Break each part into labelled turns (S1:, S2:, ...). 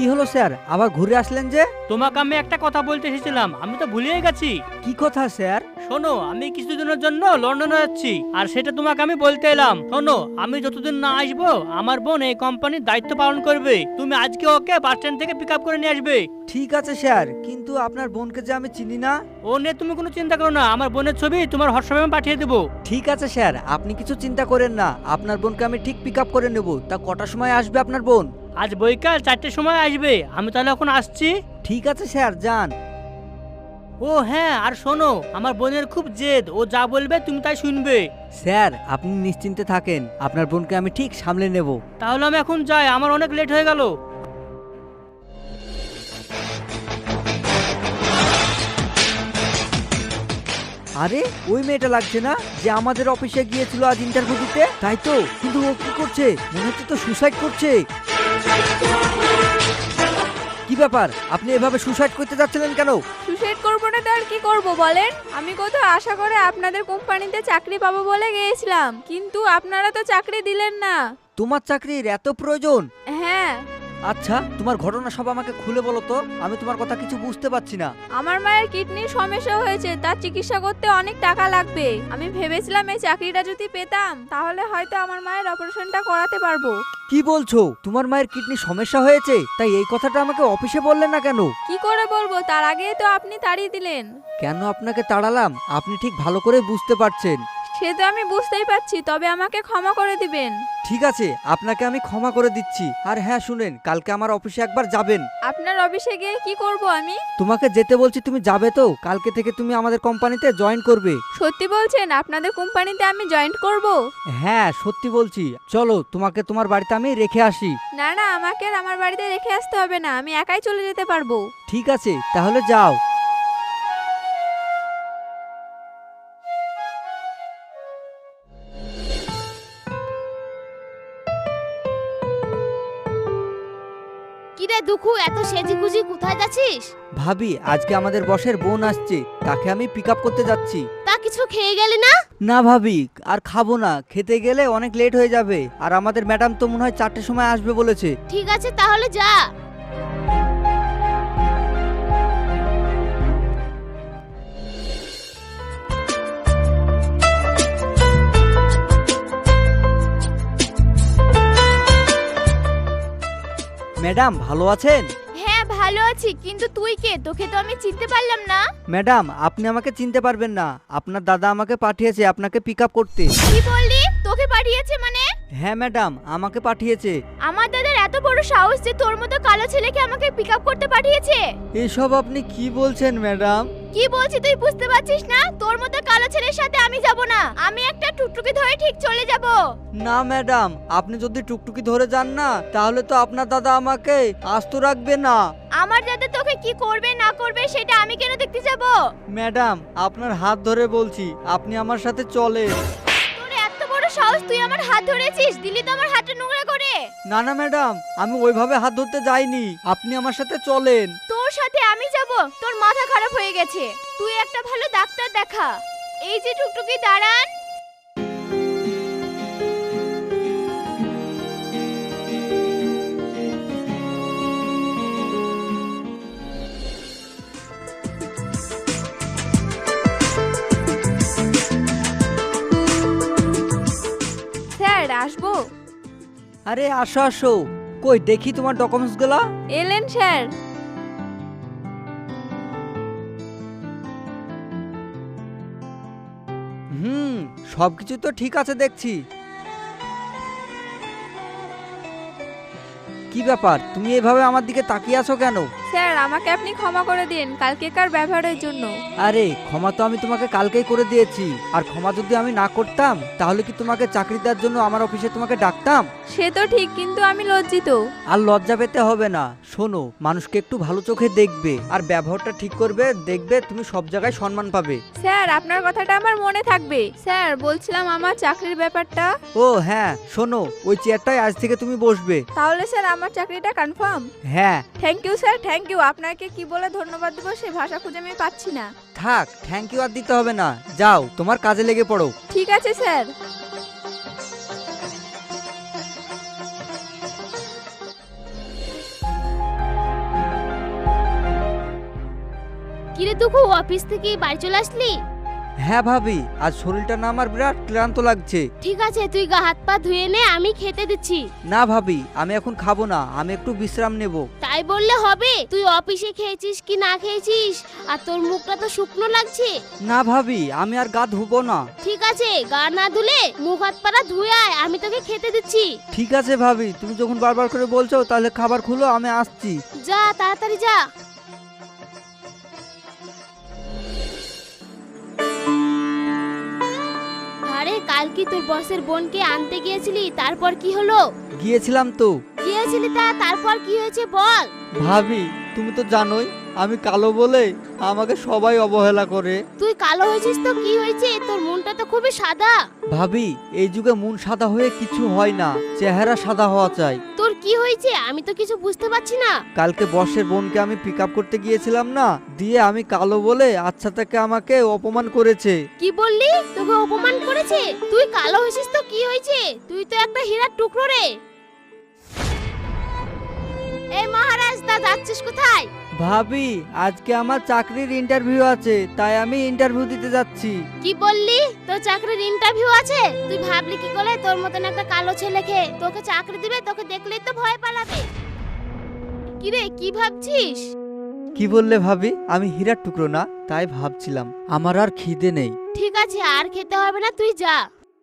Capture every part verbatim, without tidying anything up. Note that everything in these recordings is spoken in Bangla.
S1: হলো স্যার, আবার ঘুরে আসলেন যে?
S2: তোমাকে আমি একটা কথা বলতে এসেছিলাম, আমি তো ভুলেই গেছি।
S1: কি কথা স্যার?
S2: শোনো, আমি কিছুদিনের জন্য লন্ডনে যাচ্ছি, আর সেটা তোমাকে আমি বলতে এলাম। শোনো, আমি যতদিন না আসবো আমার বোন এই কোম্পানির দায়িত্ব পালন করবে। তুমি আজকে ওকে বাস স্ট্যান্ড থেকে পিক আপ করে নিয়ে আসবে।
S1: ঠিক আছে স্যার, কিন্তু আপনার বোনকে যে আমি চিনি না।
S2: ও নিয়ে তুমি কোনো চিন্তা করো না, আমার বোনের ছবি তোমার হোয়াটসঅ্যাপে আমি পাঠিয়ে দেবো।
S1: ঠিক আছে স্যার, আপনি কিছু চিন্তা করেন না, আপনার বোনকে আমি ঠিক পিক আপ করে নেব। তা কটার সময় আসবে আপনার বোন?
S2: আজ বৈকাল চারটের সময় আসবে, আমি তাহলে এখন আসছি।
S1: ঠিক আছে স্যার, যান।
S2: ও হ্যাঁ, আর শোনো, আমার বোনের খুব জেদ, ও যা বলবে তুমি তাই শুনবে।
S1: স্যার আপনি নিশ্চিন্তে থাকেন, আপনার বোনকে আমি ঠিক সামলে নেব।
S2: তাহলে আমি এখন যাই, আমার অনেক লেট হয়ে গেল।
S1: আরে ওই মেয়েটা লাগছে না যে আমাদের অফিসে গিয়েছিল আজ ইন্টারভিউ দিতে? তাই তো, কিন্তু ও কি করছে? মনে হচ্ছে তো সুসাইড করছে। কি ব্যাপার, আপনি এভাবে সুসাইড করতে যাচ্ছিলেন কেন?
S3: সুসাইড করবো না তো আর কি করব বলেন? আমি কত আশা করে আপনাদের কোম্পানিতে চাকরি পাবো বলে গিয়েছিলাম, কিন্তু আপনারা তো চাকরি দিলেন না।
S1: তোমার চাকরির এত প্রয়োজন?
S3: হ্যাঁ।
S1: আচ্ছা, তোমার ঘটনা সব আমাকে খুলে বলো তো, আমি তোমার কথা কিছু বুঝতে পারছি না।
S3: আমার মায়ের কিডনির সমস্যা হয়েছে, তার চিকিৎসা করতে অনেক টাকা লাগবে। আমি ভেবেছিলাম এই চাকরিটা যদি পেতাম তাহলে হয়তো আমার মায়ের অপারেশনটা করাতে পারবো।
S1: কি বলছো? তোমার মায়ের কিডনি সমস্যা হয়েছে? তাই এই কথাটা আমাকে অফিসে বললেন না কেন?
S3: কি করে বলবো, তার আগেই তো আপনি তাড়িয়ে দিলেন।
S1: কেন আপনাকে তাড়ালাম আপনি ঠিক ভালো করে বুঝতে পারছেন।
S3: সে তো আমি বুঝতেই পারছি, তবে আমাকে ক্ষমা করে দিবেন।
S1: ঠিক আছে, আপনাকে আমি ক্ষমা করে দিচ্ছি। আর হ্যাঁ শুনেন, কালকে আমার অফিসে একবার যাবেন।
S3: আপনার অফিসে গিয়ে কি করব আমি?
S1: তোমাকে যেতে বলছি, তুমি যাবে তো? কালকে থেকে তুমি আমাদের কোম্পানিতে জয়েন করবে।
S3: সত্যি বলছেন আপনাদের কোম্পানিতে আমি জয়েন করব?
S1: হ্যাঁ সত্যি বলছি, চলো তোমাকে তোমার বাড়িতে আমি রেখে আসি।
S3: না না, আমাকে আর আমার বাড়িতে রেখে আসতে হবে না, আমি একাই চলে যেতে পারবো।
S1: ঠিক আছে তাহলে যাও।
S4: কিরে দুখু, এত সেজি গুজি কোথায় যাচ্ছিস?
S1: ভাবি, আজকে আমাদের বসের বোন আসছে, তাকে আমি পিক আপ করতে যাচ্ছি।
S4: তা কিছু খেয়ে গেলি না?
S1: না ভাবি, আর খাবো না, খেতে গেলে অনেক লেট হয়ে যাবে। আর আমাদের ম্যাডাম তো মনে হয় চারটের সময় আসবে বলেছে।
S4: ঠিক আছে তাহলে যা।
S1: ম্যাডাম ভালো আছেন?
S4: হ্যাঁ ভালো আছি, কিন্তু তুই কে? তোকে তো আমি চিনতে পারলাম না।
S1: ম্যাডাম আপনি আমাকে চিনতে পারবেন না, আপনার দাদা আমাকে পাঠিয়েছে আপনাকে পিক আপ করতে।
S4: কি বললি? তোকে পাঠিয়েছে মানে?
S1: হ্যাঁ ম্যাডাম, আমাকে পাঠিয়েছে।
S4: আমার দাদার এত বড় সাহস যে তোর মতো কালো ছেলেকে আমাকে পিক আপ করতে পাঠিয়েছে?
S1: এসব আপনি কি বলছেন ম্যাডাম?
S4: কি বলছি তুই বুঝতে পারছিস না? তোর মতো কালো ছেলের সাথে আমি যাব না, আমি একটা টুকটুকি ধরে ঠিক চলে যাব।
S1: না ম্যাডাম, আপনি যদি টুকটুকি ধরে যান না তাহলে তো আপনার দাদা আমাকে আস্ত রাখবে না।
S4: আমার দাদা তোকে কি করবে না করবে সেটা আমি কেন দেখতে যাব?
S1: ম্যাডাম আপনার হাত ধরে বলছি, আপনি আমার সাথে চলেন।
S4: তোর এত বড় সাহস, তুই আমার হাত ধরেছিস, দিলি তো আমার হাতটা নোংরা করে।
S1: না না ম্যাডাম, আমি ওইভাবে হাত ধরতে যাইনি, আপনি আমার সাথে চলেন।
S4: তোর সাথে আমি যাব? তোর মাথা খারাপ হয়ে গেছে, তুই একটা ভালো ডাক্তার দেখা। এই যে টুকটুকি দাঁড়ান।
S3: স্যার আসবো?
S1: আরে আসো আসো, কই দেখি তোমার ডকুমেন্টস গুলা।
S3: এলেন স্যার?
S1: হুম, সবকিছু তো ঠিক আছে দেখছি। কি ব্যাপার, তুমি এভাবে আমার দিকে তাকিয়ে আছো কেন?
S3: স্যার আমাকে আপনি ক্ষমা করে দিন কালকেকার ব্যবহারের জন্য।
S1: আরে ক্ষমা তো আমি তোমাকে কালকেই করে দিয়েছি, আর ক্ষমা যদি আমি না করতাম তাহলে কি তোমাকে চাকরি দেওয়ার জন্য আমার অফিসে তোমাকে ডাকতাম?
S3: সে তো ঠিক, কিন্তু আমি লজ্জিত।
S1: আর লজ্জা পেতে হবে না। শোনো, মানুষকে একটু ভালো চোখে দেখবে আর ব্যবহারটা ঠিক করবে, দেখবে তুমি সব জায়গায় সম্মান পাবে।
S3: স্যার আপনার কথাটা আমার মনে থাকবে। স্যার বলছিলাম আমার চাকরির ব্যাপারটা।
S1: ও হ্যাঁ শোনো, ওই চেয়ারটায় আজ থেকে তুমি বসবে।
S3: তাহলে স্যার আমার চাকরিটা কনফার্ম?
S1: হ্যাঁ।
S3: Thank you sir, thank you. আপনাকে কি বলে ধন্যবাদ দেবো সে ভাষা খুঁজে আমি পাচ্ছি না।
S1: থাক, থ্যাংক ইউ আর দিতে হবে না, যাও তোমার কাজে লেগে পড়ো।
S3: ঠিক আছে স্যার।
S4: কিরে তুকু, অফিস থেকে বাড়ি চলে আসলি?
S1: হ্যাঁ ভাবি, আজ শরীরটা না আমার বিরাট ক্লান্ত লাগছে।
S4: ঠিক আছে, তুই গা হাত পা ধুয়ে নে, আমি খেতে দিচ্ছি।
S1: না ভাবি, আমি এখন খাবো না, আমি একটু বিশ্রাম নেব।
S4: তাই বললে হবে? তুই অফিসে খেয়েছিস কি না খেয়েছিস, আর তোর মুখটা তো শুকনো লাগছে।
S1: না ভাবি, আমি আর গা ধুবো না।
S4: ঠিক আছে, গা না ধুলে মুখ হাত পাড়া ধুয়ে আয়, আমি তোকে খেতে দিচ্ছি।
S1: ঠিক আছে ভাবি, তুমি যখন বারবার করে বলছো তাহলে খাবার খুলো, আমি আসছি।
S4: যা তাড়াতাড়ি যা। আরে কাল কি তোর বসের বোনকে আনতে গিয়েছিলি? তারপর কি হলো?
S1: গিয়েছিলাম তো।
S4: গিয়েছিলি তা তারপর কি হয়েছে বল।
S1: ভাবি, তুমি তো জানোই আমি কালো বলে আমাকে সবাই অবহেলা করে।
S4: তুই কালো হয়েছিস তো কি হয়েছে? তোর মনটা তো খুবই সাদা।
S1: ভাবি, এই যুগে মন সাদা হয়ে কিছু হয় না, চেহারা সাদা হওয়া চাই।
S4: তোর কি হয়েছে আমি তো কিছু বুঝতে পারছি না।
S1: কালকে বসের বোনকে আমি পিক আপ করতে গিয়েছিলাম না, দিয়ে আমি কালো বলে আচ্ছা থেকে আমাকে অপমান করেছে।
S4: কি বললি? তোকে অপমান করেছে? তুই কালো হয়েছিস তো কি হয়েছে? তুই তো একটা হীরার টুকরো রে। এই মহারাজ, তা যাচ্ছিস কোথায়?
S1: ভাবি, আজকে আমার চাকরির ইন্টারভিউ আছে, তাই আমি ইন্টারভিউ দিতে যাচ্ছি।
S4: কি বললি? তোর চাকরির ইন্টারভিউ আছে? তুই ভাবলি কি করে তোর মতন একটা কালো ছেলেকে তোকে চাকরি দিবে? তোকে দেখলেই তো ভয় পালাবে। কি রে, কি ভাবছিস?
S1: কি বললে ভাবি? আমি হীরার টুকরো না, তাই ভাবছিলাম। আমার আর খিদে নেই।
S4: ঠিক আছে, আর খেতে হবে না, তুই যা।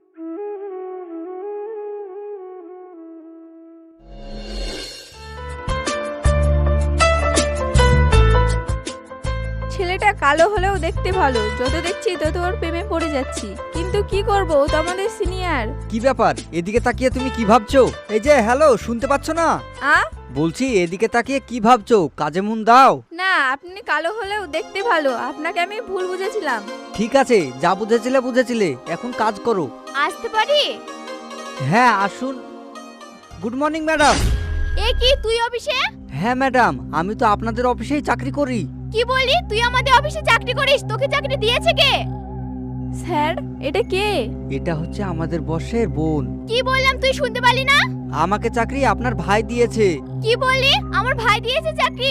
S3: ছেলেটা কালো হলেও দেখতে ভালো, যত দেখছি তত ওর প্রেমে পড়ে যাচ্ছি। কিন্তু কি করব, ও তো আমাদের সিনিয়র।
S1: কি ব্যাপার? এদিকে তাকিয়ে তুমি কি ভাবছো? এই যে হ্যালো, শুনতে পাচ্ছ না?
S3: আ
S1: বলছি এদিকে তাকিয়ে কি ভাবছো? কাজে মন দাও।
S3: না, আপনি কালো হলেও দেখতে ভালো, আপনাকে আমি ভুল বুঝেছিলাম।
S1: ঠিক আছে, যা বুঝেছিলে বুঝেছিলে, এখন কাজ করো।
S4: আসতে পারি?
S1: হ্যাঁ আসুন। Good morning madam.
S4: এ কি, তুই অফিসে?
S1: হ্যাঁ ম্যাডাম, আমি তো আপনাদের অফিসেই চাকরি করি।
S4: কি বলি? তুই আমাদের অফিসে চাকরি করিস? তোকে চাকরি দিয়েছে কে?
S3: স্যার, এটা কে?
S1: এটা হচ্ছে আমাদের বসের বোন।
S4: কি বললাম তুই শুনতে পারলি না?
S1: আমাকে চাকরি আপনার ভাই দিয়েছে।
S4: কি বললি? আমার ভাই দিয়েছে চাকরি?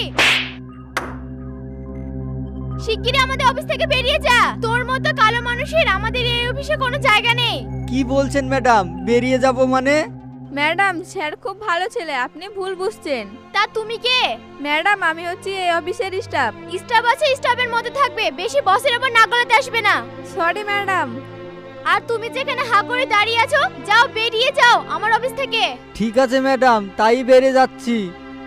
S4: শিগগিরই আমাদের অফিস থেকে বেরিয়ে যা। তোর মতো কালো মানুষের আমাদের এই অফিসে কোনো জায়গা নেই।
S1: কি বলছেন ম্যাডাম? বেরিয়ে যাব মানে?
S3: ম্যাডাম, স্যার খুব ভালো ছেলে, আপনি ভুল বুঝছেন।
S4: তা তুমি কে?
S3: ম্যাডাম, আমি হচ্ছি এই অফিসের স্টাফ।
S4: স্টাফ আছে, স্টাফের মধ্যে থাকবে, বেশি বসের উপর না গলাতে আসবে না।
S3: Sorry madam.
S4: আর তুমি যেখানে হা করে দাঁড়িয়ে আছো, যাও, বেরিয়ে যাও আমার অফিস থেকে।
S1: ঠিক আছে ম্যাডাম, তাই বেরিয়ে যাচ্ছি।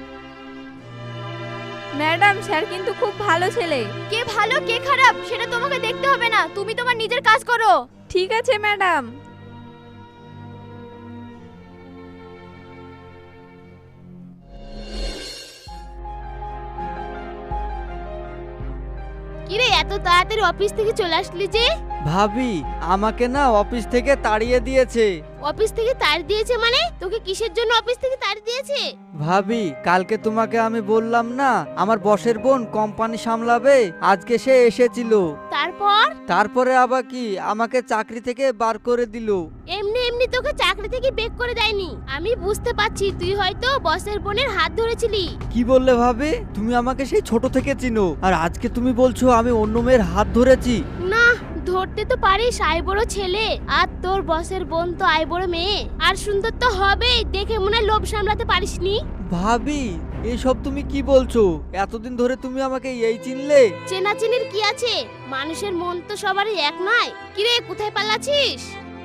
S3: ম্যাডাম, স্যার কিন্তু খুব ভালো ছেলে।
S4: কে ভালো কে খারাপ সেটা তোমাকে দেখতে হবে না, তুমি তোমার নিজের কাজ করো।
S3: ঠিক আছে ম্যাডাম।
S4: কিরে, এত তাড়াতাড়ি অফিস থেকে চলে আসলি যে?
S1: ভাবি, আমাকে না অফিস থেকে তাড়িয়ে দিয়েছে।
S4: অফিস থেকে তাড়ি দিয়েছে মানে? তোকে কিসের জন্য অফিস থেকে তাড়ি দিয়েছে?
S1: ভাবি, কালকে তোমাকে আমি বললাম না আমার বসের বোন কোম্পানি সামলাবে, আজকে সে এসেছিল।
S4: তারপর?
S1: তারপরে আবার কি আমাকে চাকরি থেকে বার করে দিল।
S4: এমনি এমনি তোকে চাকরি থেকে বেক করে দেয়নি। আমি বুঝতে পারছি তুই হয়তো বসের বোনের হাত ধরেছিলি।
S1: কি বললে ভাবি? তুমি আমাকে সেই ছোট থেকে চিনো, আর আজকে তুমি বলছো আমি অন্য মেয়ের হাত ধরেছি?
S4: না, ধরতে তো পারিস, আই বড় ছেলে, আর তোর বসের বোন তো আই বড় মেয়ে, আর সুন্দর তো হবেই, দেখে মনে হয় লোভ সামলাতে পারিসনি।
S1: ভাবি, এসব তুমি কি বলছো? এতদিন ধরে তুমি আমাকে এই চিনলে?
S4: চেনাচেনির কি আছে? মানুষের মন তো সবারই এক নয়। কিরে, কোথায় পালাচ্ছিস?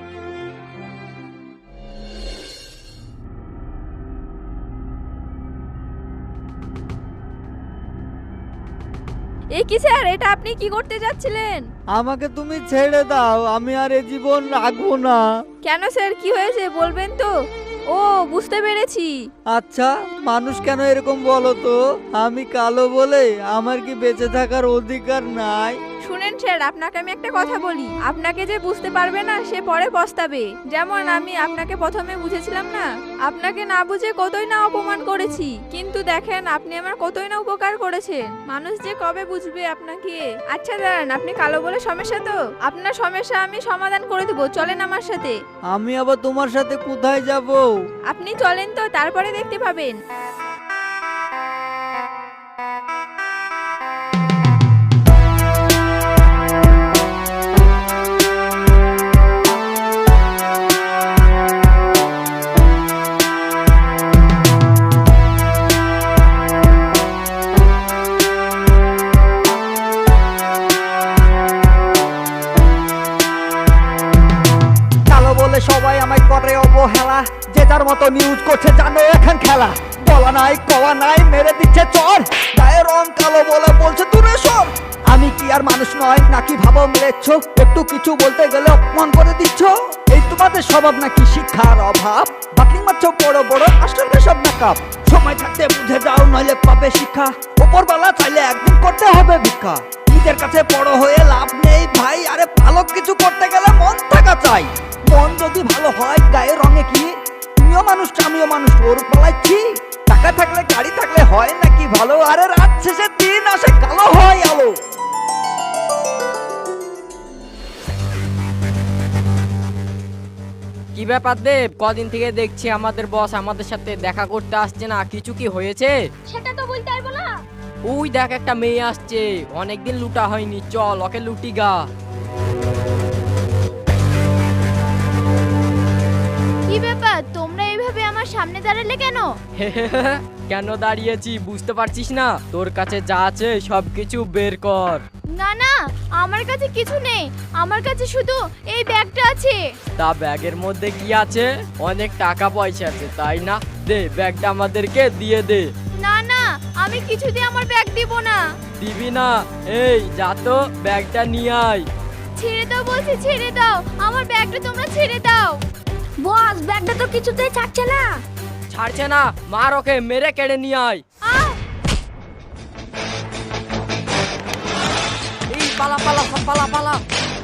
S3: এ কি স্যার, এটা আপনি কি করতে যাচ্ছিলেন?
S1: আমাকে তুমি ছেড়ে দাও, আমি আর এ জীবন রাখবো না।
S3: কেন স্যার, কি হয়েছে বলবেন তো? ও, বুঝতে পেরেছি।
S1: আচ্ছা, মানুষ কেন এরকম বলো তো? আমি কালো বলে আমার কি বেঁচে থাকার অধিকার নাই?
S3: শুনেন স্যার, আপনাকে আমি একটা কথা বলি, আপনাকে যে বুঝতে পারবে না সে পরে পস্তাবে। যেমন আমি আপনাকে প্রথমে বুঝেছিলাম না, আপনাকে না বুঝে কতই না অপমান করেছি, কিন্তু দেখেন আপনি আমার কতই না উপকার করেছেন। মানুষ যে কবে বুঝবে আপনাকে। আচ্ছা দাঁড়ান, আপনি কালো বলে সমস্যা তো, আপনার সমস্যা আমি সমাধান করে দেবো, চলেন আমার সাথে।
S1: আমি আবার তোমার সাথে কোথায় যাব?
S3: আপনি চলেন তো, তারপরে দেখতে পাবেন।
S1: নাই কওয়া নাই মেরে দিচ্ছে চর, গায়ে রং কালো বলে বলছে দূরে সর। আমি কি আর মানুষ নয় নাকি ভাবো মেরেছ, একটু কিছু বলতে গেলে অপমান করে দিচ্ছ। এই তোমাদের স্বভাব নাকি শিক্ষার অভাব, বাকি মারছ বড় বড় আসলে সব নাকাপ। সময় থাকতে বুঝে যাও নইলে পাবে শিক্ষা, ওপরবেলা চাইলে একদিন করতে হবে ভিক্ষা। নিজের কাছে বড় হয়ে লাভ নেই ভাই, আরে ভালো কিছু করতে গেলে মন থাকা চাই। মন যদি ভালো হয় গায়ে রঙে কি, তুমিও মানুষ আমিও মানুষ ওর পালাচ্ছি। টাকা থাকলে গাড়ি থাকলে হয় নাকি ভালো, আরে রাত শেষে দিন আসে কালো হয় আলো।
S5: কি ব্যাপার দেব, কদিন থেকে দেখছি আমাদের বস আমাদের সাথে দেখা করতে আসছে না, কিছু কি হয়েছে?
S4: সেটা তো বলতে পারবো না।
S5: ওই দেখ একটা মেয়ে আসছে, অনেকদিন লুটা হয়নি, চল ওকে লুটি গা।
S4: কি ব্যাপার, তোমরা এইভাবে আমার সামনে দাঁড়ালে কেন?
S5: কেন দাঁড়িয়েছি বুঝতে পারছিস না? তোর কাছে যা আছে সবকিছু বের কর।
S4: না না, আমার কাছে কিছু নেই, আমার কাছে শুধু এই ব্যাগটা আছে।
S5: তা ব্যাগের মধ্যে কি আছে? অনেক টাকা পয়সা আছে তাই না? দে ব্যাগটা আমাদেরকে দিয়ে দে।
S4: না না, আমি কিছুতে আমার ব্যাগ দিব না।
S5: দিবি না? এই যা তো ব্যাগটা নিয়ে আয়।
S4: ছেড়ে দাও বলছি, ছেড়ে দাও আমার ব্যাগটা, তোমরা ছেড়ে দাও। বস, ব্যাগটা তো কিছুতেই ছাড়ছে না।
S5: ছাড়ছে না? মার ওকে, মেরে কেড়ে নিয়ে আয়।
S4: আহ!
S5: এই পালা পালা সব পালা পালা।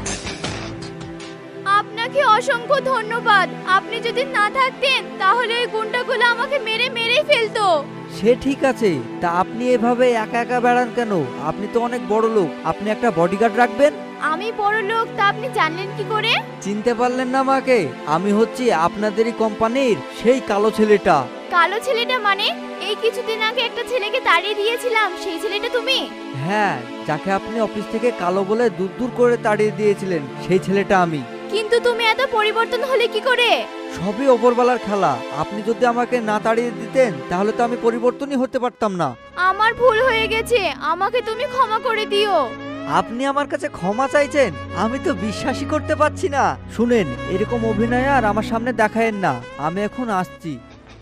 S4: আপনাকে অসংখ্য ধন্যবাদ, আপনি যদি না থাকতেন তাহলে ওই গুন্ডাগুলো আমাকে মেরে মেরেই ফেলতো।
S1: সে ঠিক আছে, তা আপনি এভাবে একা একা বেড়ান কেন? আপনি তো অনেক বড় লোক, আপনি একটা বডিগার্ড রাখবেন।
S4: আমি বড় লোক তা আপনি জানলেন কি করে?
S1: চিনতে পারলেন না আমাকে? আমি হচ্ছি আপনাদেরই কোম্পানির সেই কালো ছেলেটা।
S4: কালো ছেলেটা মানে? এই কিছুদিন আগে একটা ছেলেকে তাড়িয়ে দিয়েছিলাম, সেই ছেলেটা তুমি?
S1: হ্যাঁ, যাকে আপনি অফিস থেকে কালো বলে দূর দূর করে তাড়িয়ে দিয়েছিলেন সেই ছেলেটা আমি।
S4: কিন্তু তুমি এত পরিবর্তন হলে কি করে?
S1: সবই ওপরওয়ালার খেলা। আপনি যদি আমাকে না তাড়িয়ে দিতেন তাহলে তো আমি পরিবর্তনই হতে পারতাম না।
S4: আমার ভুল হয়ে গেছে, আমাকে তুমি ক্ষমা করে দিও।
S1: আপনি আমার কাছে ক্ষমা চাইছেন? আমি তো বিশ্বাসই করতে পারছি না। শুনেন, এরকম অভিনয় আর আমার সামনে দেখায়েন না, আমি এখন আসছি।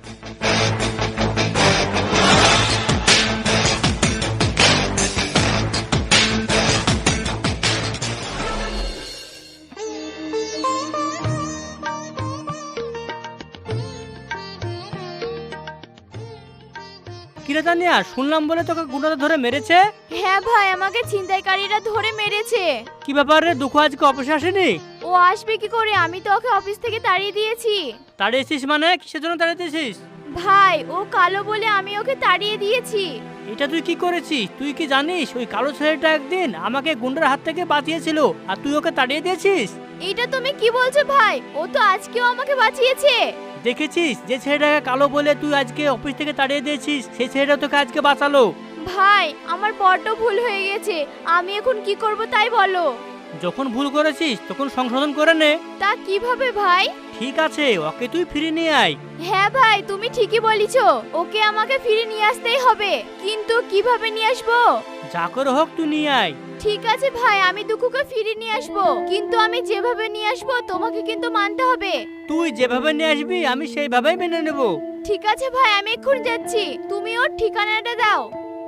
S2: কিরে তানিয়া, শুনলাম বলে তোকে গুন্ডাটা ধরে মেরেছে?
S4: হ্যাঁ ভাই, আমাকে ছিনতাইকারীরা ধরে মেরেছে।
S2: কি ব্যাপার রে, দুঃখ আজকে অফিসে আসেনি?
S4: ও আসবে কি করে, আমি তো ওকে অফিস থেকে তাড়িয়ে দিয়েছি।
S2: তাড়িয়েছিস মানে? কিসের জন্য তাড়িয়ে দিয়েছিস?
S4: ভাই, ও কালো বলে আমি ওকে তাড়িয়ে দিয়েছি।
S2: এটা তুই কি করেছিস? তুই কি জানিস ওই কালো ছেলেটা একদিন আমাকে গুন্ডার হাত থেকে বাঁচিয়েছিল আর তুই ওকে তাড়িয়ে দিয়েছিস?
S4: এটা তুমি কি বলছো ভাই? ও তো আজকেও আমাকে বাঁচিয়েছে।
S2: দেখেছিস, যে ছেলেটাকে কালো বলে তুই আজকে অফিস থেকে তাড়িয়ে দিয়েছিস সেই ছেলেটা তোকে আজকে বাঁচালো।
S4: ভাই, আমার বড্ড ভুল হয়ে গেছে, আমি এখন কি করব তাই বলো।
S2: যখন ভুল করেছিস তখন সংশোধন করে নে।
S4: তা কিভাবে ভাই?
S2: ঠিক আছে, ওকে তুই ফিরে নিয়ে আয়।
S4: হ্যাঁ ভাই, তুমি ঠিকই বলিছো, ওকে আমাকে ফিরে নিয়ে আসতেই হবে, কিন্তু কিভাবে নিয়ে আসবো?
S2: যা করে হোক তুই নিয়ে আয়।
S4: ঠিক আছে ভাই, আমি দুঃখকে ফিরে নিয়ে আসবো, কিন্তু আমি যেভাবে নিয়ে আসবো তোমাকে কিন্তু মানতে হবে।
S2: তুই যেভাবে নিয়ে আসবি আমি সেইভাবেই মেনে নেব।
S4: ঠিক আছে ভাই, আমি এক্ষুনি যাচ্ছি, তুমি ওর ঠিকানাটা দাও।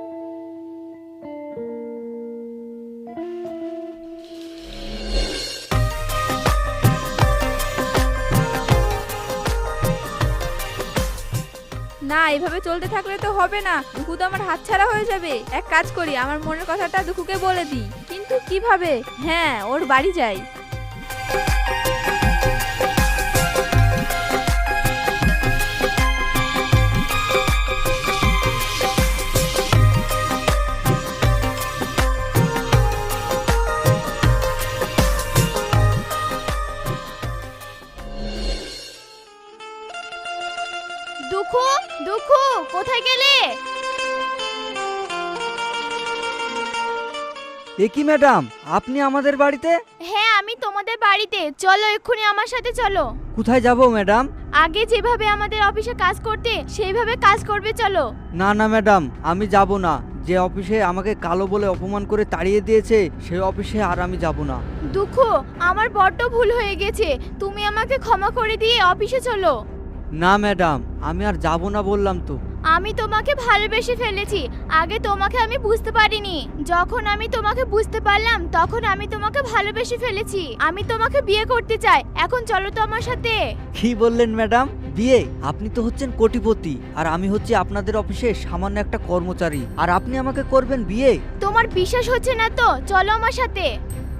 S3: না, এভাবে চলতে থাকলে তো হবে না, দুঃখু তো আমার হাতছাড়া হয়ে যাবে। এক কাজ করি, আমার মনের কথাটা দুঃখুকে বলে দিই। কিন্তু কিভাবে? হ্যাঁ, ওর বাড়ি যাই।
S4: দুঃখু, দুঃখু, কোথায় গেলে?
S1: এ কি ম্যাডাম, আপনি আমাদের বাড়িতে?
S4: হ্যাঁ, আমি তোমাদের বাড়িতে, চলো এক্ষুনি আমার সাথে চলো।
S1: কোথায় যাব ম্যাডাম?
S4: আগে যেভাবে আমাদের অফিসে কাজ করতে সেইভাবে কাজ করবে, চলো।
S1: না না ম্যাডাম, আমি যাব না। যে অফিসে আমাকে কালো বলে অপমান করে তাড়িয়ে দিয়েছে সেই অফিসে আর আমি যাব না।
S4: দুঃখু, আমার বড্ড ভুল হয়ে গেছে, তুমি আমাকে ক্ষমা করে দিয়ে অফিসে চলো।
S1: না ম্যাডাম, আমি আর যাব না বললাম তো।
S4: আমি তোমাকে ভালোবেসে ফেলেছি। আগে তোমাকে আমি বুঝতে পারিনি, যখন আমি তোমাকে বুঝতে পারলাম তখন আমি তোমাকে ভালোবেসে ফেলেছি। আমি তোমাকে বিয়ে করতে চাই, এখন চলো তো আমার সাথে।
S1: কি বললেন ম্যাডাম, বিয়ে? আপনি তো হচ্ছেন কোটিপতি আর আমি হচ্ছি আপনাদের অফিসে সামান্য একটা কর্মচারী, আর আপনি আমাকে করবেন বিয়ে?
S4: তোমার বিশ্বাস হচ্ছে না তো চলো আমার সাথে।